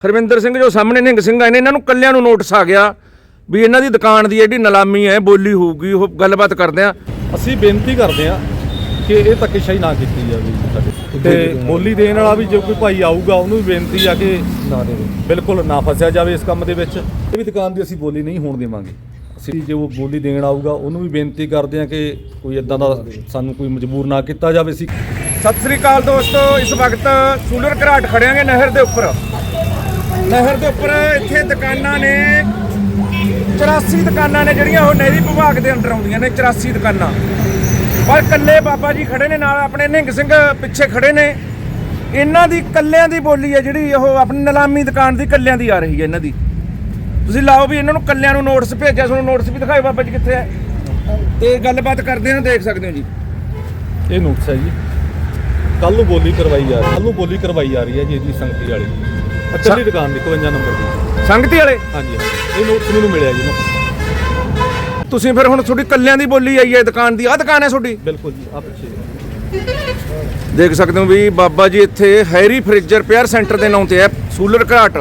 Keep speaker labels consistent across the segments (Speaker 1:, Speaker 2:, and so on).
Speaker 1: ਹਰਵਿੰਦਰ ਸਿੰਘ ਜੋ ਸਾਹਮਣੇ ਨਿਹੰਗ ਸਿੰਘ ਆਏ ਨੇ, ਇਹਨਾਂ ਨੂੰ ਕੱਲਿਆਂ ਨੂੰ ਨੋਟਿਸ ਆ ਗਿਆ ਵੀ ਇਹਨਾਂ ਦੀ ਦੁਕਾਨ ਦੀ ਜਿਹੜੀ ਨਿਲਾਮੀ ਹੈ ਬੋਲੀ ਹੋਊਗੀ। ਉਹ ਗੱਲਬਾਤ ਕਰਦੇ ਆ।
Speaker 2: ਅਸੀਂ ਬੇਨਤੀ ਕਰਦੇ ਆ ਕਿ ਇਹ ਧੱਕੇਸ਼ਾਹੀ ਨਾ ਕੀਤੀ ਜਾਵੇ ਸਾਡੇ ਤੇ ਬੋਲੀ ਦੇਣ ਵਾਲਾ ਵੀ ਜੇ ਕੋਈ ਭਾਈ ਆਊਗਾ ਉਹਨੂੰ ਵੀ ਬੇਨਤੀ ਆ ਕਿ ਬਿਲਕੁਲ ਨਾ ਫਸਿਆ ਜਾਵੇ ਇਸ ਕੰਮ ਦੇ ਵਿੱਚ। ਇਹ ਵੀ ਦੁਕਾਨ ਦੀ ਅਸੀਂ ਬੋਲੀ ਨਹੀਂ ਹੋਣ ਦੇਵਾਂਗੇ। ਅਸੀਂ ਜੇ ਉਹ ਬੋਲੀ ਦੇਣ ਆਊਗਾ ਉਹਨੂੰ ਵੀ ਬੇਨਤੀ ਕਰਦੇ ਆ ਕਿ ਕੋਈ ਇਦਾਂ ਦਾ ਸਾਨੂੰ ਕੋਈ ਮਜਬੂਰ ਨਾ ਕੀਤਾ ਜਾਵੇ। ਅਸੀਂ
Speaker 1: ਸਤਿ ਸ੍ਰੀ ਅਕਾਲ ਦੋਸਤੋ, ਇਸ ਵਕਤ ਸੂਲਰ ਘਰਾਟ ਖੜਿਆਂਗੇ ਨਹਿਰ ਦੇ ਉੱਪਰ। ਨਹਿਰ ਦੇ ਉੱਪਰ ਇੱਥੇ ਦੁਕਾਨਾਂ ਨੇ 84 ਦੁਕਾਨਾਂ ਨੇ ਜਿਹੜੀਆਂ ਉਹ ਨਹਿਰੀ ਵਿਭਾਗ ਦੇ ਅੰਡਰ ਆਉਂਦੀਆਂ ਨੇ। 84 ਦੁਕਾਨਾਂ, ਪਰ ਕੱਲੇ ਬਾਬਾ ਜੀ ਖੜੇ ਨੇ, ਨਾਲ ਆਪਣੇ ਨਿਹੰਗ ਸਿੰਘ ਪਿੱਛੇ ਖੜੇ ਨੇ। ਇਹਨਾਂ ਦੀ ਕੱਲਿਆਂ ਦੀ ਬੋਲੀ ਹੈ ਜਿਹੜੀ ਉਹ ਆਪਣੀ ਨਿਲਾਮੀ ਦੁਕਾਨ ਦੀ ਕੱਲਿਆਂ ਦੀ ਆ ਰਹੀ ਹੈ ਇਹਨਾਂ ਦੀ। ਤੁਸੀਂ ਲਾਓ ਵੀ ਇਹਨਾਂ ਨੂੰ ਕੱਲਿਆਂ ਨੂੰ ਨੋਟਿਸ ਭੇਜਿਆ, ਤੁਹਾਨੂੰ ਨੋਟਿਸ ਵੀ ਦਿਖਾਓ ਬਾਬਾ ਜੀ ਕਿੱਥੇ ਹੈ ਤੇ ਗੱਲਬਾਤ ਕਰਦੇ ਹਾਂ, ਦੇਖ ਸਕਦੇ ਹੋ ਜੀ।
Speaker 2: ਇਹ ਨੋਟਿਸ ਹੈ ਜੀ, ਕੱਲ ਨੂੰ ਬੋਲੀ ਕਰਵਾਈ ਜਾ ਰਹੀ ਹੈ ਜੀ ਇਹਦੀ ਸੰਗਤੀ ਵਾਲੀ ਅੱਛੀ ਦੁਕਾਨ ਦੀ 52 ਨੰਬਰ ਦੀ
Speaker 1: ਸੰਗਤੀ ਵਾਲੇ।
Speaker 2: ਹਾਂਜੀ ਇਹ ਨੋਟਿਸ ਮੈਨੂੰ ਮਿਲਿਆ ਜੀ ਨਾ।
Speaker 1: ਤੁਸੀਂ ਫਿਰ ਹੁਣ ਤੁਹਾਡੀ ਕੱਲਿਆਂ ਦੀ ਬੋਲੀ ਆਈ ਹੈ ਦੁਕਾਨ ਦੀ। ਆਹ ਦੁਕਾਨ ਹੈ ਤੁਹਾਡੀ?
Speaker 2: ਬਿਲਕੁਲ ਜੀ, ਆ ਪਿੱਛੇ
Speaker 1: ਦੇਖ ਸਕਦੇ ਹੋ ਵੀ ਬਾਬਾ ਜੀ ਇੱਥੇ ਹੈਰੀ ਫ੍ਰਿਜ ਰਿਪੇਅਰ ਸੈਂਟਰ ਦੇ ਨਾਂ ਤੇ ਹੈ ਸੂਲਰ ਘਰਾਟ।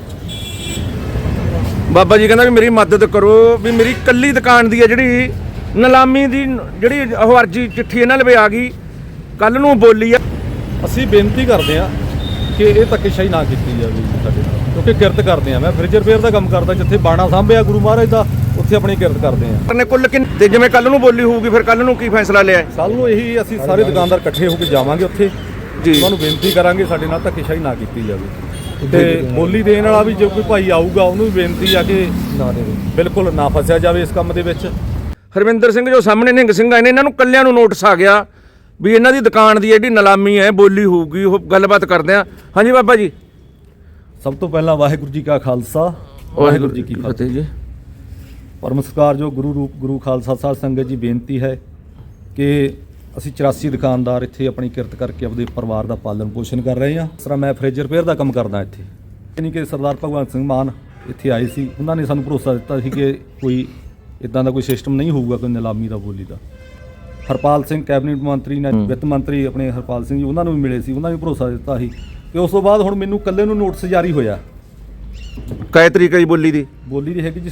Speaker 1: ਬਾਬਾ ਜੀ ਕਹਿੰਦਾ ਵੀ ਮੇਰੀ ਮਦਦ ਕਰੋ, ਵੀ ਮੇਰੀ ਕੱਲੀ ਦੁਕਾਨ ਦੀ ਹੈ ਜਿਹੜੀ ਨਿਲਾਮੀ ਦੀ ਜਿਹੜੀ ਉਹ ਅਰਜੀ ਚਿੱਠੀ ਇਹਨਾਂ ਲਵੇ ਆ ਗਈ, ਕੱਲ ਨੂੰ ਬੋਲੀ ਆ।
Speaker 2: ਅਸੀਂ ਬੇਨਤੀ ਕਰਦੇ ਆ ਕਿ ਇਹ ਧੱਕੇਸ਼ਾਹੀ ਨਾ ਕੀਤੀ ਜਾਵੇ ਸਾਡੇ ਨਾਲ, ਕਿਉਂਕਿ ਕਿਰਤ ਕਰਦੇ ਆ। ਮੈਂ ਫ੍ਰਿਜ ਰਿਪੇਅਰ ਦਾ ਕੰਮ ਕਰਦਾ, ਜਿੱਥੇ ਬਾਣਾ ਸਾਂਭਿਆ ਗੁਰੂ ਮਹਾਰਾਜ ਦਾ, ਉੱਥੇ ਆਪਣੀ ਕਿਰਤ ਕਰਦੇ ਆ।
Speaker 1: ਨੇ ਕੁੱਲ ਤੇ ਜਿਵੇਂ ਕੱਲ ਨੂੰ ਬੋਲੀ ਹੋਊਗੀ, ਫਿਰ ਕੱਲ ਨੂੰ ਕੀ ਫੈਸਲਾ ਲਿਆ?
Speaker 2: ਕੱਲ ਨੂੰ ਇਹੀ ਅਸੀਂ ਸਾਰੇ ਦੁਕਾਨਦਾਰ ਇਕੱਠੇ ਹੋ ਕੇ ਜਾਵਾਂਗੇ ਉੱਥੇ ਜੀ, ਉਹਨਾਂ ਨੂੰ ਬੇਨਤੀ ਕਰਾਂਗੇ ਸਾਡੇ ਨਾਲ ਧੱਕੇਸ਼ਾਹੀ ਨਾ ਕੀਤੀ ਜਾਵੇ ਤੇ ਬੋਲੀ ਦੇਣ ਵਾਲਾ ਵੀ ਜੇ ਕੋਈ ਭਾਈ ਆਊਗਾ ਉਹਨੂੰ ਵੀ ਬੇਨਤੀ ਆ ਕਿ ਬਿਲਕੁਲ ਨਾ ਫਸਿਆ ਜਾਵੇ ਇਸ ਕੰਮ ਦੇ ਵਿੱਚ।
Speaker 1: ਹਰਵਿੰਦਰ ਸਿੰਘ ਜੋ ਸਾਹਮਣੇ ਨਿਹੰਗ ਸਿੰਘ ਆਏ ਨੇ, ਇਹਨਾਂ ਨੂੰ ਕੱਲਿਆਂ ਨੂੰ ਨੋਟਿਸ ਆ ਗਿਆ ਵੀ ਇਹਨਾਂ ਦੀ ਦੁਕਾਨ ਦੀ ਜਿਹੜੀ ਨਿਲਾਮੀ ਹੈ ਬੋਲੀ ਹੋਊਗੀ। ਉਹ ਗੱਲਬਾਤ ਕਰਦੇ ਆ। ਹਾਂਜੀ ਬਾਬਾ ਜੀ।
Speaker 2: ਸਭ ਤੋਂ ਪਹਿਲਾਂ ਵਾਹਿਗੁਰੂ ਜੀ ਕਾ ਖਾਲਸਾ, ਵਾਹਿਗੁਰੂ ਜੀ ਕੀ ਫਤਿਹ ਜੀ। ਪਰਮ ਸਤਿਕਾਰ ਜੋ ਗੁਰੂ ਰੂਪ ਗੁਰੂ ਖਾਲਸਾ ਸਾਧ ਸੰਗਤ ਜੀ, ਬੇਨਤੀ ਹੈ ਕਿ ਅਸੀਂ 84 ਦੁਕਾਨਦਾਰ ਇੱਥੇ ਆਪਣੀ ਕਿਰਤ ਕਰਕੇ ਆਪਣੇ ਪਰਿਵਾਰ ਦਾ ਪਾਲਣ ਪੋਸ਼ਣ ਕਰ ਰਹੇ ਹਾਂ। ਇਸ ਤਰ੍ਹਾਂ ਮੈਂ ਫ੍ਰਿਜ ਰਿਪੇਅਰ ਦਾ ਕੰਮ ਕਰਦਾ ਇੱਥੇ, ਯਾਨੀ ਕਿ ਸਰਦਾਰ ਭਗਵੰਤ ਸਿੰਘ ਮਾਨ ਇੱਥੇ ਆਏ ਸੀ, ਉਹਨਾਂ ਨੇ ਸਾਨੂੰ ਭਰੋਸਾ ਦਿੱਤਾ ਸੀ ਕਿ ਕੋਈ ਇੱਦਾਂ ਦਾ ਕੋਈ ਸਿਸਟਮ ਨਹੀਂ ਹੋਊਗਾ ਕੋਈ ਨਿਲਾਮੀ ਦਾ ਬੋਲੀ ਦਾ। ਹਰਪਾਲ ਸਿੰਘ ਕੈਬਨਿਟ ਮੰਤਰੀ ਨੇ, ਵਿੱਤ ਮੰਤਰੀ ਆਪਣੇ ਹਰਪਾਲ ਸਿੰਘ ਜੀ, ਉਹਨਾਂ ਨੂੰ ਵੀ ਮਿਲੇ ਸੀ, ਉਹਨਾਂ ਨੇ ਭਰੋਸਾ ਦਿੱਤਾ ਸੀ। ਤੇ ਉਸ ਤੋਂ ਬਾਅਦ ਹੁਣ ਮੈਨੂੰ ਇਕੱਲੇ ਨੂੰ ਨੋਟਿਸ ਜਾਰੀ ਹੋਇਆ।
Speaker 1: ਕਾਇ ਤਰੀਕ ਹੈ ਜੀ ਬੋਲੀ ਦੀ?
Speaker 2: ਬੋਲੀ ਦੀ ਹੈਗੀ ਜੀ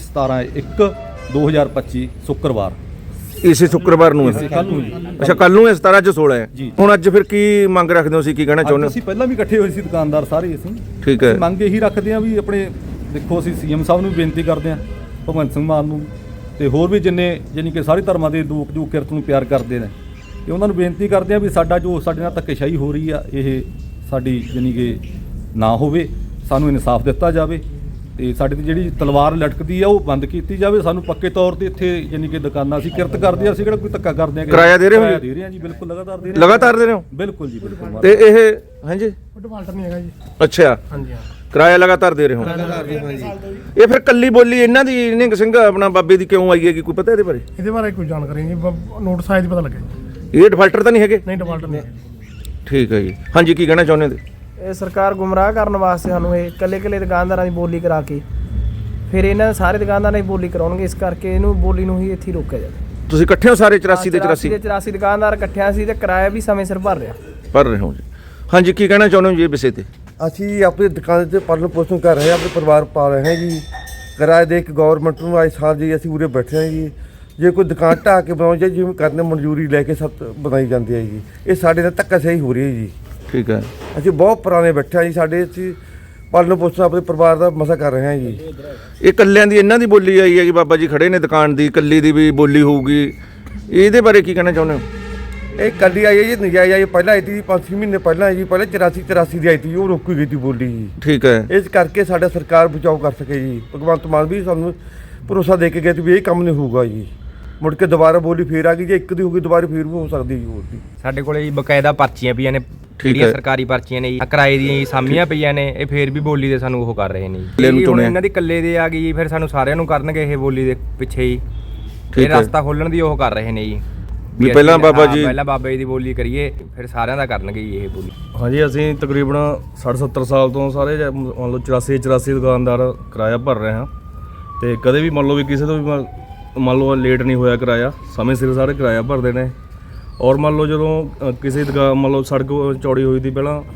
Speaker 2: 17/1/2025 ਸ਼ੁੱਕਰਵਾਰ।
Speaker 1: ਇਸੇ ਸ਼ੁੱਕਰਵਾਰ ਨੂੰ ਹੈ?
Speaker 2: ਕੱਲ ਨੂੰ ਜੀ।
Speaker 1: ਅੱਛਾ, ਕੱਲ ਨੂੰ ਹੈ 17, ਅੱਜ 16 ਹੈ
Speaker 2: ਜੀ।
Speaker 1: ਹੁਣ ਅੱਜ ਫਿਰ ਕੀ ਮੰਗ ਰੱਖਦੇ ਹੋ, ਸੀ ਕੀ ਕਹਿਣਾ ਚਾਹੁੰਦੇ ਹੋ?
Speaker 2: ਅਸੀਂ ਪਹਿਲਾਂ ਵੀ ਇਕੱਠੇ ਹੋਏ ਸੀ ਦੁਕਾਨਦਾਰ ਸਾਰੇ ਅਸੀਂ।
Speaker 1: ਠੀਕ ਹੈ।
Speaker 2: ਮੰਗ ਇਹੀ ਰੱਖਦੇ ਹਾਂ ਵੀ ਆਪਣੇ ਦੇਖੋ, ਅਸੀਂ ਸੀਐਮ ਸਾਹਿਬ ਨੂੰ ਵੀ ਬੇਨਤੀ ਕਰਦੇ ਹਾਂ, ਭਗਵੰਤ ਸਿੰਘ ਮਾਨ ਨੂੰ, ਤੇ ਹੋਰ ਵੀ ਜਿੰਨੇ ਯਾਨੀ ਕਿ ਸਾਰੇ ਧਰਮਾਂ ਦੇ ਲੋਕ ਜੋ ਕਿਰਤ ਨੂੰ ਪਿਆਰ ਕਰਦੇ ਨੇ, ਤੇ ਉਹਨਾਂ ਨੂੰ ਬੇਨਤੀ ਕਰਦੇ ਹਾਂ ਵੀ ਸਾਡਾ ਜੋ ਸਾਡੇ ਨਾਲ ਧੱਕੇਸ਼ਾਹੀ ਹੋ ਰਹੀ ਆ, ਇਹ ਸਾਡੀ ਯਾਨੀ ਕਿ ਨਾ ਹੋਵੇ, ਸਾਨੂੰ ਇਨਸਾਫ ਦਿੱਤਾ ਜਾਵੇ ਤੇ ਸਾਡੇ ਦੀ ਜਿਹੜੀ ਤਲਵਾਰ ਲਟਕਦੀ ਆ ਉਹ ਬੰਦ ਕੀਤੀ ਜਾਵੇ। ਸਾਨੂੰ ਪੱਕੇ ਤੌਰ ਤੇ ਇੱਥੇ ਯਾਨੀ ਕਿ ਦੁਕਾਨਾਂ ਅਸੀਂ ਕਿਰਤ ਕਰਦੇ ਆ, ਅਸੀਂ ਕਿਹੜਾ ਕੋਈ ਧੱਕਾ ਕਰਦੇ ਆ।
Speaker 1: ਕਿਰਾਇਆ ਦੇ ਰਹੇ ਹੋ?
Speaker 2: ਦੇ ਰਹੇ ਹਾਂ ਜੀ, ਬਿਲਕੁਲ ਲਗਾਤਾਰ ਦੇ ਰਹੇ।
Speaker 1: ਲਗਾਤਾਰ ਦੇ ਰਹੇ ਹੋ?
Speaker 2: ਬਿਲਕੁਲ ਜੀ, ਬਿਲਕੁਲ।
Speaker 1: ਤੇ ਇਹ ਹਾਂਜੀ
Speaker 3: ਡਿਫਾਲਟਰ ਨਹੀਂ ਹੈਗਾ ਜੀ।
Speaker 1: ਅੱਛਾ,
Speaker 3: ਹਾਂਜੀ ਹਾਂ,
Speaker 1: ਕਿਰਾਇਆ ਲਗਾਤਾਰ ਦੇ ਰਹੇ ਹੋ?
Speaker 3: ਲਗਾਤਾਰ ਜੀ। ਹਾਂਜੀ,
Speaker 1: ਇਹ ਫਿਰ ਕੱਲੀ ਬੋਲੀ ਇਹਨਾਂ ਦੀ ਨਿਹੰਗ ਸਿੰਘ ਆਪਣਾ ਬਾਬੇ ਦੀ ਕਿਉਂ ਆਈ ਹੈਗੀ, ਕੋਈ ਪਤਾ ਇਹਦੇ ਬਾਰੇ?
Speaker 3: ਇਹਦੇ ਬਾਰੇ ਕੋਈ ਜਾਣਕਾਰੀ ਨਹੀਂ, ਨੋਟਿਸ ਆਇਆ ਦੀ ਪਤਾ ਲੱਗਿਆ ਜੀ।
Speaker 1: ਇਹ ਡਿਫਾਲਟਰ ਤਾਂ ਨਹੀਂ ਹੈਗੇ?
Speaker 3: ਨਹੀਂ, ਡਿਫਾਲਟਰ ਨਹੀਂ।
Speaker 1: ਠੀਕ ਹੈ ਜੀ। ਹਾਂਜੀ, ਕੀ ਕਹਿਣਾ ਚਾਹੁੰਦੇ ਹੋ?
Speaker 4: ਇਹ ਸਰਕਾਰ ਗੁੰਮਰਾਹ ਕਰਨ ਵਾਸਤੇ ਸਾਨੂੰ ਇਹ ਕੱਲੇ ਦੁਕਾਨਦਾਰਾਂ ਦੀ ਬੋਲੀ ਕਰਾ ਕੇ ਫਿਰ ਇਹਨਾਂ ਸਾਰੇ ਦੁਕਾਨਦਾਰਾਂ ਦੀ ਬੋਲੀ ਕਰਾਉਣਗੇ। ਇਸ ਕਰਕੇ ਇਹਨੂੰ ਬੋਲੀ ਨੂੰ ਹੀ ਇੱਥੇ ਰੋਕਿਆ ਜਾਵੇ।
Speaker 1: ਤੁਸੀਂ ਇਕੱਠੇ ਹੋ ਸਾਰੇ 84 ਦੇ 84?
Speaker 4: 84 ਦੁਕਾਨਦਾਰ ਇਕੱਠਿਆਂ ਸੀ ਤੇ ਕਿਰਾਇਆ ਵੀ ਸਮੇਂ ਸਿਰ ਭਰ ਰਿਹਾ।
Speaker 1: ਭਰ ਰਹੇ ਹੋ ਜੀ। ਹਾਂਜੀ, ਕੀ ਕਹਿਣਾ ਚਾਹੁੰਦੇ ਹੋ ਜੀ ਇਹ ਵਿਸ਼ੇ ਤੇ?
Speaker 5: ਅਸੀਂ ਆਪਣੀ ਦੁਕਾਨ ਤੇ ਪਾਲਣ ਪੋਸ਼ਣ ਕਰ ਰਹੇ ਹਾਂ, ਆਪਣੇ ਪਰਿਵਾਰ ਪਾ ਰਹੇ ਹਾਂ ਜੀ। ਕਿਰਾਏ ਦੇ ਇੱਕ ਗਵਰਨਮੈਂਟ ਨੂੰ ਅੱਜ ਸਾਲ ਜੀ ਅਸੀਂ ਉਰੇ ਬੈਠੇ ਹਾਂ ਜੀ। ਜੇ ਕੋਈ ਦੁਕਾਨ ਢਾਹ ਕੇ ਬਣਾਉਣੀ ਚਾਹੀਦੀ, ਜਿਵੇਂ ਕਰਨੇ ਮਨਜ਼ੂਰੀ ਲੈ ਕੇ ਸਭ ਬਣਾਈ ਜਾਂਦੀ ਹੈ ਜੀ। ਇਹ ਸਾਡੇ ਨਾਲ ਧੱਕਾਸ਼ਾਹੀ ਹੋ ਰਹੀ ਹੈ ਜੀ।
Speaker 1: ਠੀਕ ਹੈ।
Speaker 5: ਅਸੀਂ ਬਹੁਤ ਪੁਰਾਣੇ ਬੈਠੇ ਹਾਂ ਜੀ, ਸਾਡੇ ਅਸੀਂ ਪਾਲਣ ਪੋਸ਼ਣ ਆਪਣੇ ਪਰਿਵਾਰ ਦਾ ਮਸਾ ਕਰ ਰਹੇ ਹਾਂ ਜੀ।
Speaker 1: ਇਹ ਕੱਲਿਆਂ ਦੀ ਇਹਨਾਂ ਦੀ ਬੋਲੀ ਆਈ ਹੈ ਜੀ, ਬਾਬਾ ਜੀ ਖੜੇ ਨੇ ਦੁਕਾਨ ਦੀ, ਕੱਲੀ ਦੀ ਵੀ ਬੋਲੀ ਹੋਊਗੀ, ਇਹਦੇ ਬਾਰੇ ਕੀ ਕਹਿਣਾ ਚਾਹੁੰਦੇ ਹੋ?
Speaker 5: ਇਹ ਕੱਲੀ ਆਈ ਹੈ ਜੀ, ਨਜਾਇਜ਼ ਆਈ ਪਹਿਲਾਂ ਆਈ ਸੀ 5-6 ਮਹੀਨੇ ਪਹਿਲਾਂ ਜੀ। ਪਹਿਲਾਂ 84 ਦੀ ਆਈ ਸੀ, ਉਹ ਰੋਕੀ ਗਈ ਸੀ ਬੋਲੀ ਜੀ।
Speaker 1: ਠੀਕ ਹੈ।
Speaker 5: ਇਸ ਕਰਕੇ ਸਾਡਾ ਸਰਕਾਰ ਬਚਾਓ ਕਰ ਸਕੇ ਜੀ। ਭਗਵੰਤ ਮਾਨ ਵੀ ਸਾਨੂੰ ਭਰੋਸਾ ਦੇ ਕੇ ਗਏ ਸੀ ਵੀ ਇਹ ਕੰਮ ਨਹੀਂ ਹੋਊਗਾ ਜੀ। ਮੁੜ ਕੇ ਦੁਬਾਰਾ ਬੋਲੀ ਫੇਰ ਆ ਗਈ, ਜੇ ਇੱਕ ਦੀ ਹੋ ਗਈ ਦੁਬਾਰਾ ਫੇਰ ਵੀ ਹੋ ਸਕਦੀ ਜੀ ਹੋਰ ਦੀ।
Speaker 6: ਸਾਡੇ ਕੋਲੇ ਜੀ ਬਕਾਇਦਾ ਪਰਚੀਆਂ ਪਈਆਂ ਨੇ, ਜਿਹੜੀਆਂ ਸਰਕਾਰੀ ਪਰਚੀਆਂ ਨੇ ਜੀ, ਕਿਰਾਏ ਦੀਆਂ ਸਾਮੀਆਂ ਪਈਆਂ ਨੇ। ਇਹ ਫੇਰ ਵੀ ਬੋਲੀ ਦੇ ਸਾਨੂੰ ਉਹ ਕਰ ਰਹੇ ਨੇ ਜੀ। ਹੁਣ ਇਹਨਾਂ ਦੀ ਇਕੱਲੇ ਦੇ ਆ ਗਈ ਜੀ, ਫਿਰ ਸਾਨੂੰ ਸਾਰਿਆਂ ਨੂੰ ਕਰਨਗੇ ਇਹ ਬੋਲੀ ਦੇ ਪਿੱਛੇ ਹੀ। ਇਹ ਰਸਤਾ ਖੋਲਣ ਦੀ ਉਹ ਕਰ ਰਹੇ ਨੇ ਜੀ
Speaker 1: ਵੀ ਪਹਿਲਾਂ ਬਾਬਾ ਜੀ,
Speaker 6: ਪਹਿਲਾਂ ਬਾਬਾ ਜੀ ਦੀ ਬੋਲੀ ਕਰੀਏ, ਫਿਰ ਸਾਰਿਆਂ ਦਾ ਕਰਨਗੇ ਜੀ ਇਹ ਬੋਲੀ।
Speaker 7: ਹਾਂਜੀ, ਅਸੀਂ ਤਕਰੀਬਨ 60-70 ਸਾਲ ਤੋਂ ਸਾਰੇ ਮੰਨ ਲਓ 84 ਦੁਕਾਨਦਾਰ ਕਿਰਾਇਆ ਭਰ ਰਹੇ ਹਾਂ, ਤੇ ਕਦੇ ਵੀ ਮੰਨ ਲਓ ਵੀ ਕਿਸੇ ਤੋਂ ਵੀ ਮੰਨ ਲਓ ਲੇਟ ਨਹੀਂ ਹੋਇਆ ਕਿਰਾਇਆ, ਸਮੇਂ ਸਿਰ ਸਾਰੇ ਕਿਰਾਇਆ ਭਰਦੇ ਨੇ। ਔਰ ਮੰਨ ਲਓ ਜਦੋਂ ਕਿਸੇ ਦੁਕਾਨ ਮੰਨ ਲਓ ਸੜਕ ਚੌੜੀ ਹੋਈ ਸੀ ਪਹਿਲਾਂ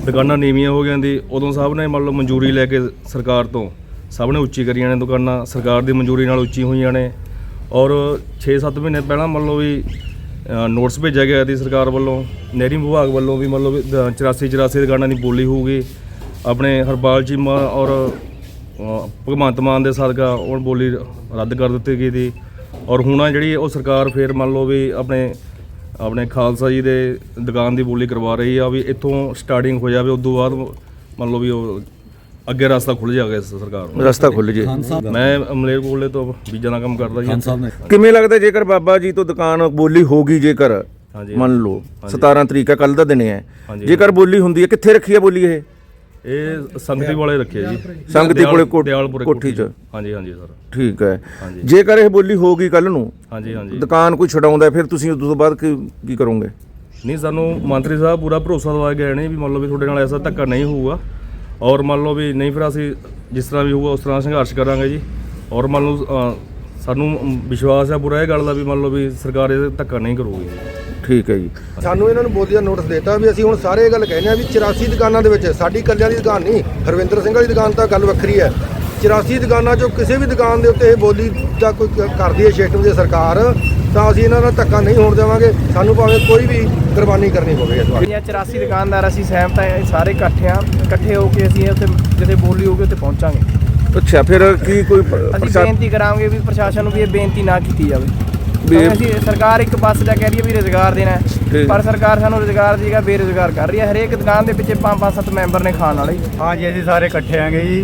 Speaker 7: ਦੁਕਾਨਾਂ ਨੀਵੀਆਂ ਹੋ ਗਈਆਂ ਦੀ ਉਦੋਂ ਸਭ ਨੇ ਮੰਨ ਲਓ ਮਨਜ਼ੂਰੀ ਲੈ ਕੇ ਸਰਕਾਰ ਤੋਂ ਸਭ ਨੇ ਉੱਚੀ ਕਰੀਆਂ ਨੇ ਦੁਕਾਨਾਂ, ਸਰਕਾਰ ਦੀ ਮਨਜ਼ੂਰੀ ਨਾਲ ਉੱਚੀ ਹੋਈਆਂ ਨੇ। ਔਰ 6-7 ਮਹੀਨੇ ਪਹਿਲਾਂ ਮੰਨ ਲਓ ਵੀ ਨੋਟਿਸ ਭੇਜਿਆ ਗਿਆ ਸੀ ਸਰਕਾਰ ਵੱਲੋਂ, ਨਹਿਰੀ ਵਿਭਾਗ ਵੱਲੋਂ ਵੀ ਮੰਨ ਲਓ ਵੀ 84 ਦੁਕਾਨਾਂ ਦੀ ਬੋਲੀ ਹੋਊਗੀ। ਆਪਣੇ ਹਰਪਾਲ ਚੀਮਾ ਔਰ ਭਗਵੰਤ ਮਾਨ ਦੇ ਸਦਕਾ ਉਹ ਬੋਲੀ ਰੱਦ ਕਰ ਦਿੱਤੀ ਗਈ ਸੀ। ਔਰ ਹੁਣ ਆ ਜਿਹੜੀ ਉਹ ਸਰਕਾਰ ਫੇਰ ਮੰਨ ਲਓ ਵੀ ਆਪਣੇ ਖਾਲਸਾ ਜੀ ਦੇ ਦੁਕਾਨ ਦੀ ਬੋਲੀ ਕਰਵਾ ਰਹੀ ਆ ਵੀ ਇੱਥੋਂ ਸਟਾਰਟਿੰਗ ਹੋ ਜਾਵੇ, ਉਸ ਤੋਂ ਬਾਅਦ ਮੰਨ ਲਓ ਵੀ ਉਹ ਅੱਗੇ ਰਸਤਾ ਖੁੱਲ੍ਹ ਜਾਵੇ ਇਸ ਸਰਕਾਰ ਨੂੰ,
Speaker 8: ਰਸਤਾ ਖੁੱਲ੍ਹ ਜੇ।
Speaker 7: ਮੈਂ ਮਲੇਰਕੋਟਲੇ ਤੋਂ ਬੀਜਾਂ ਦਾ ਕੰਮ ਕਰਦਾ ਜੀ।
Speaker 8: ਕਿਵੇਂ ਲੱਗਦਾ ਜੇਕਰ ਬਾਬਾ ਜੀ ਤੋਂ ਦੁਕਾਨ ਬੋਲੀ ਹੋਗੀ, ਜੇਕਰ
Speaker 7: ਹਾਂਜੀ।
Speaker 8: ਮੰਨ ਲਓ 17 ਤਰੀਕ ਆ, ਕੱਲ ਦਾ ਦਿਨ ਹੈ,
Speaker 7: ਹਾਂਜੀ।
Speaker 8: ਜੇਕਰ ਬੋਲੀ ਹੁੰਦੀ ਹੈ ਕਿੱਥੇ ਰੱਖੀ ਹੈ ਬੋਲੀ
Speaker 7: ਇਹ ਸੰਗਤੀ ਵਾਲੇ ਰੱਖੇ ਜੀ,
Speaker 8: ਸੰਗਤੀ ਕੋਲੇ
Speaker 7: ਦਿਆਲਪੁਰੇ
Speaker 8: ਕੋਠੀ 'ਚ।
Speaker 7: ਹਾਂਜੀ ਹਾਂਜੀ ਸਰ।
Speaker 8: ਠੀਕ ਹੈ।
Speaker 7: ਹਾਂਜੀ।
Speaker 8: ਜੇਕਰ ਇਹ ਬੋਲੀ ਹੋਗੀ ਕੱਲ ਨੂੰ,
Speaker 7: ਹਾਂਜੀ ਹਾਂਜੀ।
Speaker 8: ਦੁਕਾਨ ਕੋਈ ਛਡਾਉਂਦਾ, ਫਿਰ ਤੁਸੀਂ ਉਸ ਤੋਂ ਬਾਅਦ ਕੀ ਕਰੋਗੇ?
Speaker 7: ਨਹੀਂ, ਸਾਨੂੰ ਮੰਤਰੀ ਸਾਹਿਬ ਪੂਰਾ ਭਰੋਸਾ ਦਵਾ ਗਏ ਨੇ ਵੀ ਮੰਨ ਲਓ ਵੀ ਤੁਹਾਡੇ ਨਾਲ ਐਸਾ ਧੱਕਾ ਨਹੀਂ ਹੋਊਗਾ। ਔਰ ਮੰਨ ਲਓ ਵੀ ਨਹੀਂ ਫਿਰ ਅਸੀਂ ਜਿਸ ਤਰ੍ਹਾਂ ਵੀ ਹੋਊਗਾ ਉਸ ਤਰ੍ਹਾਂ ਸੰਘਰਸ਼ ਕਰਾਂਗੇ ਜੀ। ਔਰ ਮੰਨ ਲਓ ਸਾਨੂੰ ਵਿਸ਼ਵਾਸ ਹੈ ਪੂਰਾ ਇਹ ਗੱਲ ਦਾ ਵੀ ਮੰਨ ਲਓ ਵੀ ਸਰਕਾਰ ਇਹ ਧੱਕਾ ਨਹੀਂ ਕਰੂਗੀ।
Speaker 8: ਠੀਕ ਹੈ ਜੀ।
Speaker 9: ਸਾਨੂੰ ਇਹਨਾਂ ਨੂੰ ਬੋਲੀ ਦਾ ਨੋਟਿਸ ਦਿੱਤਾ ਵੀ ਅਸੀਂ ਹੁਣ ਸਾਰੇ ਇਹ ਗੱਲ ਕਹਿੰਦੇ ਆ ਵੀ 84 ਦੁਕਾਨਾਂ ਦੇ ਵਿੱਚ ਸਾਡੀ ਕੱਲਿਆਂ ਦੀ ਦੁਕਾਨ ਨਹੀਂ, ਹਰਵਿੰਦਰ ਸਿੰਘ ਵਾਲੀ ਦੁਕਾਨ ਤਾਂ ਗੱਲ ਵੱਖਰੀ ਹੈ। 84 ਦੁਕਾਨਾਂ 'ਚੋਂ ਕਿਸੇ ਵੀ ਦੁਕਾਨ ਦੇ ਉੱਤੇ ਇਹ ਬੋਲੀ ਦਾ ਕੋਈ ਕਰਦੀ ਹੈ ਸਿਸਟਮ ਦੀ ਸਰਕਾਰ, ਤਾਂ ਅਸੀਂ ਇਹਨਾਂ ਨਾਲ ਧੱਕਾ ਨਹੀਂ ਹੋਣ ਦੇਵਾਂਗੇ। ਸਾਨੂੰ ਭਾਵੇਂ ਕੋਈ ਵੀ ਕੁਰਬਾਨੀ ਕਰਨੀ ਪਵੇ ਇਸ ਵਾਰ।
Speaker 4: 84 ਦੁਕਾਨਦਾਰ ਅਸੀਂ ਸਹਿਮਤ ਹਾਂ, ਇਹ ਸਾਰੇ ਇਕੱਠੇ ਹੋ ਕੇ ਅਸੀਂ ਉੱਥੇ ਜਿੱਥੇ ਬੋਲੀ ਹੋਊਗੀ ਉੱਥੇ ਪਹੁੰਚਾਂਗੇ।
Speaker 8: ਅੱਛਾ, ਫਿਰ ਕੀ ਕੋਈ
Speaker 4: ਅਸੀਂ ਬੇਨਤੀ ਕਰਾਂਗੇ ਵੀ ਪ੍ਰਸ਼ਾਸਨ ਨੂੰ ਵੀ ਇਹ ਬੇਨਤੀ ਨਾ ਕੀਤੀ ਜਾਵੇ। ਅਸੀਂ ਸਰਕਾਰ ਇੱਕ ਬੱਸ ਦਾ ਕਹਿ ਰਹੀ ਹੈ ਵੀ ਰੁਜ਼ਗਾਰ ਦੇਣਾ ਹੈ, ਪਰ ਸਰਕਾਰ ਸਾਨੂੰ ਰੁਜ਼ਗਾਰ ਦੀ ਜਗ੍ਹਾ ਬੇਰੁਜ਼ਗਾਰ ਕਰ ਰਹੀ ਹੈ। ਹਰੇਕ ਦੁਕਾਨ ਦੇ ਪਿੱਛੇ 5-7 ਮੈਂਬਰ ਨੇ ਖਾਣ ਵਾਲੇ।
Speaker 10: ਹਾਂ ਜੀ, ਅਸੀਂ ਸਾਰੇ ਇਕੱਠੇ ਆਂਗੇ ਜੀ।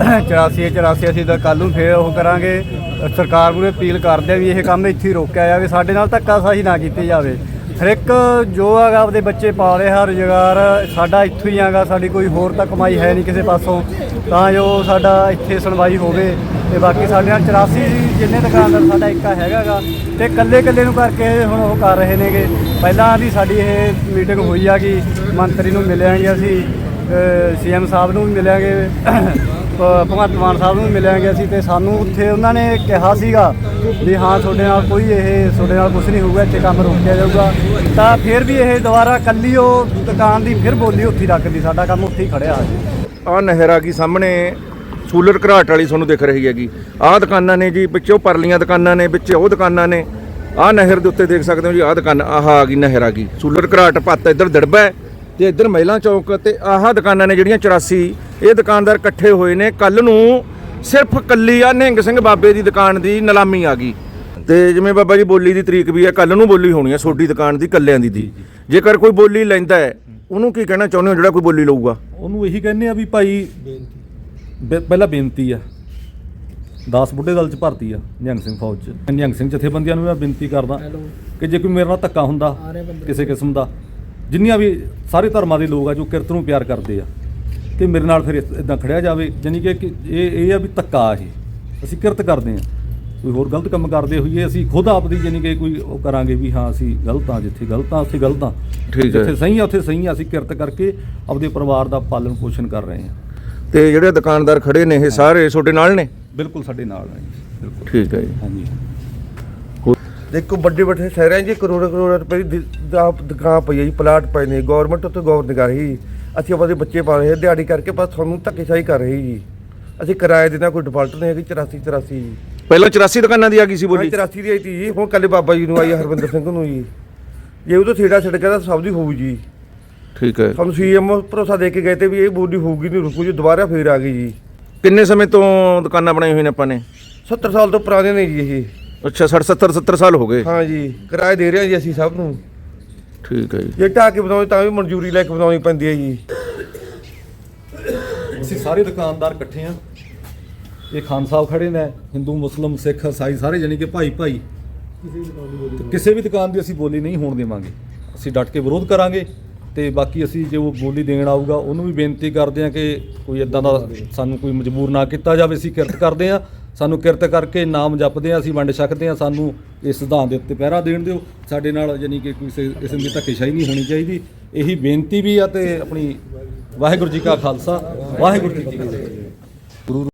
Speaker 10: 84 ਅਸੀਂ ਤਾਂ ਕੱਲ੍ਹ ਨੂੰ ਫੇਰ ਉਹ ਕਰਾਂਗੇ, ਸਰਕਾਰ ਨੂੰ ਅਪੀਲ ਕਰਦੇ ਆ ਵੀ ਇਹ ਕੰਮ ਇੱਥੇ ਹੀ ਰੋਕਿਆ ਜਾਵੇ, ਸਾਡੇ ਨਾਲ ਧੱਕਾਸ਼ਾਹੀ ਨਾ ਕੀਤੀ ਜਾਵੇ। ਹਰ ਇੱਕ ਜੋ ਹੈਗਾ ਆਪਦੇ ਬੱਚੇ ਪਾ ਰਿਹਾ, ਰੁਜ਼ਗਾਰ ਸਾਡਾ ਇੱਥੋਂ ਹੀ ਹੈਗਾ, ਸਾਡੀ ਕੋਈ ਹੋਰ ਤਾਂ ਕਮਾਈ ਹੈ ਨਹੀਂ ਕਿਸੇ ਪਾਸੋਂ, ਤਾਂ ਜੋ ਸਾਡਾ ਇੱਥੇ ਸੁਣਵਾਈ ਹੋਵੇ। ਤੇ ਬਾਕੀ ਸਾਡੇ ਨਾਲ 84 ਜਿੰਨੇ ਦੁਕਾਨਦਾਰ ਸਾਡਾ ਇੱਕਾ ਹੈਗਾ ਗਾ, ਤੇ ਇਕੱਲੇ ਨੂੰ ਕਰਕੇ ਹੁਣ ਉਹ ਕਰ ਰਹੇ ਨੇਗੇ। ਪਹਿਲਾਂ ਦੀ ਸਾਡੀ ਇਹ ਮੀਟਿੰਗ ਹੋਈ ਆ ਕਿ ਮੰਤਰੀ ਨੂੰ ਮਿਲਾਂਗੇ, ਅਸੀਂ CM ਸਾਹਿਬ ਨੂੰ ਵੀ ਮਿਲਾਂਗੇ, ਭਗਵੰਤ ਮਾਨ ਸਾਹਿਬ ਨੂੰ ਵੀ ਮਿਲਾਂਗੇ ਅਸੀਂ। ਤੇ ਸਾਨੂੰ ਉੱਥੇ ਉਹਨਾਂ ਨੇ ਕਿਹਾ ਸੀਗਾ ਵੀ ਹਾਂ ਤੁਹਾਡੇ ਨਾਲ ਤੁਹਾਡੇ ਨਾਲ ਕੁਝ ਨਹੀਂ ਹੋਊਗਾ, ਇੱਥੇ ਕੰਮ ਰੋਕਿਆ ਜਾਊਗਾ। ਤਾਂ ਫਿਰ ਵੀ ਇਹ ਦੁਬਾਰਾ ਕੱਲੀ ਉਹ ਦੁਕਾਨ ਦੀ ਫਿਰ ਬੋਲੀ ਉੱਥੇ ਰੱਖਦੀ, ਸਾਡਾ ਕੰਮ ਉੱਥੇ ਹੀ ਖੜਿਆ ਜੀ।
Speaker 8: ਆਹ ਨਹਿਰ ਆ ਗਈ ਸਾਹਮਣੇ, ਸੂਲਰ ਘਰਾਟ ਵਾਲੀ ਤੁਹਾਨੂੰ ਦਿਖ ਰਹੀ ਹੈਗੀ। ਆਹ ਦੁਕਾਨਾਂ ਨੇ ਜੀ, ਵਿੱਚ ਉਹ ਪਰਲੀਆਂ ਦੁਕਾਨਾਂ ਨੇ, ਵਿੱਚ ਉਹ ਦੁਕਾਨਾਂ ਨੇ। ਆਹ ਨਹਿਰ ਦੇ ਉੱਤੇ ਦੇਖ ਸਕਦੇ ਹੋ ਜੀ, ਆਹ ਦੁਕਾਨ ਆਹ ਆ ਗਈ, ਨਹਿਰ ਆ ਗਈ। ਸੂਲਰ ਘਰਾਟ ਪੱਤ ਇੱਧਰ ਦੜਬਾ ਹੈ ਤੇ ਇੱਧਰ ਮਹਿਲਾ ਚੌਕ, ਤੇ ਆਹ ਦੁਕਾਨਾਂ ਨੇ ਜਿਹੜੀਆਂ 84 ਇਹ ਦੁਕਾਨਦਾਰ ਇਕੱਠੇ ਹੋਏ ਨੇ। ਕੱਲ ਨੂੰ ਸਿਰਫ ਕੱਲੀ ਆ ਨਿਹੰਗ ਸਿੰਘ ਬਾਬੇ ਦੀ ਦੁਕਾਨ ਦੀ ਨਿਲਾਮੀ ਆ ਗਈ। ਤੇ ਜਿਵੇਂ ਬਾਬਾ ਜੀ ਬੋਲੀ ਦੀ ਤਰੀਕ ਵੀ ਹੈ, ਕੱਲ ਨੂੰ ਬੋਲੀ ਹੋਣੀ ਹੈ ਛੋਟੀ ਦੁਕਾਨ ਦੀ, ਕੱਲਿਆਂ ਦੀ। ਜੇਕਰ ਕੋਈ ਬੋਲੀ ਲੈਂਦਾ ਹੈ ਉਹਨੂੰ ਕੀ ਕਹਿਣਾ ਚਾਹੁੰਦੇ ਹੋ ਜਿਹੜਾ ਕੋਈ ਬੋਲੀ ਲਊਗਾ?
Speaker 2: ਉਹਨੂੰ ਇਹੀ ਕਹਿੰਦੇ ਆ ਵੀ ਭਾਈ ਪਹਿਲਾਂ ਬੇਨਤੀ ਆ, 10 ਬੁੱਢੇ ਦਲ 'ਚ ਭਰਤੀ ਆ ਨਿਹੰਗ ਸਿੰਘ ਫੌਜ 'ਚ। ਨਿਹੰਗ ਸਿੰਘ ਜਥੇਬੰਦੀਆਂ ਨੂੰ ਮੈਂ ਬੇਨਤੀ ਕਰਦਾ ਕਿ ਜੇ ਕੋਈ ਮੇਰੇ ਨਾਲ ਧੱਕਾ ਹੁੰਦਾ ਕਿਸੇ ਕਿਸਮ ਦਾ, ਜਿੰਨੀਆਂ ਵੀ ਸਾਰੇ ਧਰਮਾਂ ਦੇ ਲੋਕ ਆ ਜੋ ਕਿਰਤ ਨੂੰ ਪਿਆਰ ਕਰਦੇ ਆ, ਕਿ ਮੇਰੇ ਨਾਲ ਫਿਰ ਇਦਾਂ ਖੜਿਆ ਜਾਵੇ। ਜਾਨੀ ਕਿ ਇਹ ਆ ਵੀ ਧੱਕਾ, ਇਹ ਅਸੀਂ ਕਿਰਤ ਕਰਦੇ ਆ, ਕੋਈ ਹੋਰ ਗਲਤ ਕੰਮ ਕਰਦੇ ਹੋਈਏ ਅਸੀਂ ਖੁਦ ਆਪਦੀ ਜਾਨੀ ਕਿ ਕੋਈ ਉਹ ਕਰਾਂਗੇ ਵੀ ਹਾਂ ਅਸੀਂ ਗਲਤ ਆ, ਜਿੱਥੇ ਗਲਤ ਆ ਉੱਥੇ ਗਲਤ ਆ, ਜਿੱਥੇ ਸਹੀ ਆ ਉੱਥੇ ਸਹੀ ਆ। ਅਸੀਂ ਕਿਰਤ ਕਰਕੇ ਆਪਦੇ ਪਰਿਵਾਰ ਦਾ ਪਾਲਣ ਪੋਸ਼ਣ ਕਰ ਰਹੇ ਹਾਂ।
Speaker 8: ਤੇ ਜਿਹੜੇ ਦੁਕਾਨਦਾਰ ਖੜੇ ਨੇ ਇਹ ਸਾਰੇ ਤੁਹਾਡੇ ਨਾਲ ਨੇ?
Speaker 2: ਬਿਲਕੁਲ ਸਾਡੇ ਨਾਲ ਹੈ ਜੀ, ਬਿਲਕੁਲ।
Speaker 8: ਠੀਕ ਹੈ ਜੀ।
Speaker 2: ਹਾਂਜੀ।
Speaker 5: ਦੇਖੋ ਵੱਡੇ ਸ਼ਹਿਰਾਂ 'ਚ ਕਰੋੜਾਂ ਰੁਪਏ ਦੀ ਦੁਕਾਨ ਪਈ ਹੈ ਜੀ, ਪਲਾਟ ਪਏ ਨੇ, ਗੌਰਮੈਂਟ ਉੱਤੇ ਗੌਰ ਨਹੀਂ ਕਰ ਰਹੀ। ਅਸੀਂ ਆਪਣੇ ਬੱਚੇ ਪਾ ਰਹੇ ਦਿਹਾੜੀ ਕਰਕੇ, ਬਸ ਤੁਹਾਨੂੰ ਧੱਕੇਸ਼ਾਹੀ ਕਰ ਰਹੀ ਜੀ। ਅਸੀਂ ਕਿਰਾਏ ਦੇਣਾ, ਕੋਈ ਡਿਫਾਲਟ ਨਹੀਂ ਹੈਗੀ। 84 ਜੀ
Speaker 8: ਪਹਿਲਾਂ 84 ਦੁਕਾਨਾਂ ਦੀ ਆ ਗਈ ਸੀ ਬੋਲੀ?
Speaker 5: 84 ਦੀ ਆਈ ਤੀ ਜੀ, ਹੁਣ ਕੱਲੇ ਬਾਬਾ ਜੀ ਨੂੰ ਆਈ ਹਰਵਿੰਦਰ ਸਿੰਘ ਨੂੰ ਜੀ। ਜੇ ਉਹ ਤੋਂ ਛੇੜਾ ਛੱਡ ਕੇ ਤਾਂ ਸਭ ਦੀ ਹੋਊ ਜੀ।
Speaker 8: ਠੀਕ ਹੈ।
Speaker 5: ਸਾਨੂੰ CM ਭਰੋਸਾ ਦੇ ਕੇ ਗਏ ਤੇ ਵੀ ਇਹ ਬੋਲੀ ਹੋਊਗੀ ਨਹੀਂ, ਰੁਕੂ ਜੀ। ਦੁਬਾਰਾ ਫੇਰ ਆ ਗਈ ਜੀ।
Speaker 8: ਕਿੰਨੇ ਸਮੇਂ ਤੋਂ ਦੁਕਾਨਾਂ ਬਣਾਈ ਹੋਈਆਂ ਨੇ ਆਪਾਂ ਨੇ?
Speaker 5: 70 ਸਾਲ ਤੋਂ ਪੁਰਾਣੇ ਨੇ ਜੀ ਇਹ।
Speaker 8: ਅੱਛਾ, 70 ਸਾਲ ਹੋ ਗਏ।
Speaker 5: ਹਾਂ ਜੀ, ਕਿਰਾਏ ਦੇ ਰਹੇ ਹਾਂ ਜੀ ਅਸੀਂ ਸਭ ਨੂੰ।
Speaker 8: ਠੀਕ ਹੈ ਜੀ।
Speaker 5: ਜੇ ਢਾਹ ਕੇ ਬਣਾਉਣੀ ਤਾਂ ਵੀ ਮਨਜ਼ੂਰੀ ਲੈ ਕੇ ਬਣਾਉਣੀ ਪੈਂਦੀ ਹੈ ਜੀ।
Speaker 2: ਅਸੀਂ ਸਾਰੇ ਦੁਕਾਨਦਾਰ ਇਕੱਠੇ ਆ। ਇਹ ਖਾਨ ਸਾਹਿਬ ਖੜੇ ਨੇ, ਹਿੰਦੂ ਮੁਸਲਿਮ ਸਿੱਖ ਈਸਾਈ ਸਾਰੇ ਜਾਨੀ ਕਿ ਭਾਈ ਕਿਸੇ ਵੀ ਦੁਕਾਨ ਦੀ ਅਸੀਂ ਬੋਲੀ ਨਹੀਂ ਹੋਣ ਦੇਵਾਂਗੇ। ਅਸੀਂ ਡਟ ਕੇ ਵਿਰੋਧ ਕਰਾਂਗੇ। ਤੇ ਬਾਕੀ ਅਸੀਂ ਜੇ ਉਹ ਬੋਲੀ ਦੇਣ ਆਊਗਾ ਉਹਨੂੰ ਵੀ ਬੇਨਤੀ ਕਰਦੇ ਆ ਕਿ ਕੋਈ ਇਦਾਂ ਦਾ ਸਾਨੂੰ ਕੋਈ ਮਜਬੂਰ ਨਾ ਕੀਤਾ ਜਾਵੇ। ਅਸੀਂ ਕਿਰਤ ਕਰਦੇ ਆ, ਸਾਨੂੰ ਕਿਰਤ ਕਰਕੇ ਨਾਮ ਜਪਦੇ ਆ, ਅਸੀਂ ਵੰਡ ਛਕਦੇ ਆ। ਸਾਨੂੰ ਇਸ ਸਿਧਾਂਤ ਦੇ ਉੱਤੇ ਪਹਿਰਾ ਦੇਣ ਦਿਓ। ਸਾਡੇ ਨਾਲ ਜਾਨੀ ਕਿ ਕੋਈ ਕਿਸਮ ਦੀ ਧੱਕੇਸ਼ਾਹੀ ਨਹੀਂ ਹੋਣੀ ਚਾਹੀਦੀ। ਇਹੀ ਬੇਨਤੀ ਵੀ ਆ। ਤੇ ਆਪਣੀ ਵਾਹਿਗੁਰੂ ਜੀ ਕਾ ਖਾਲਸਾ, ਵਾਹਿਗੁਰੂ ਜੀ ਕੀ ਫਤਿਹ।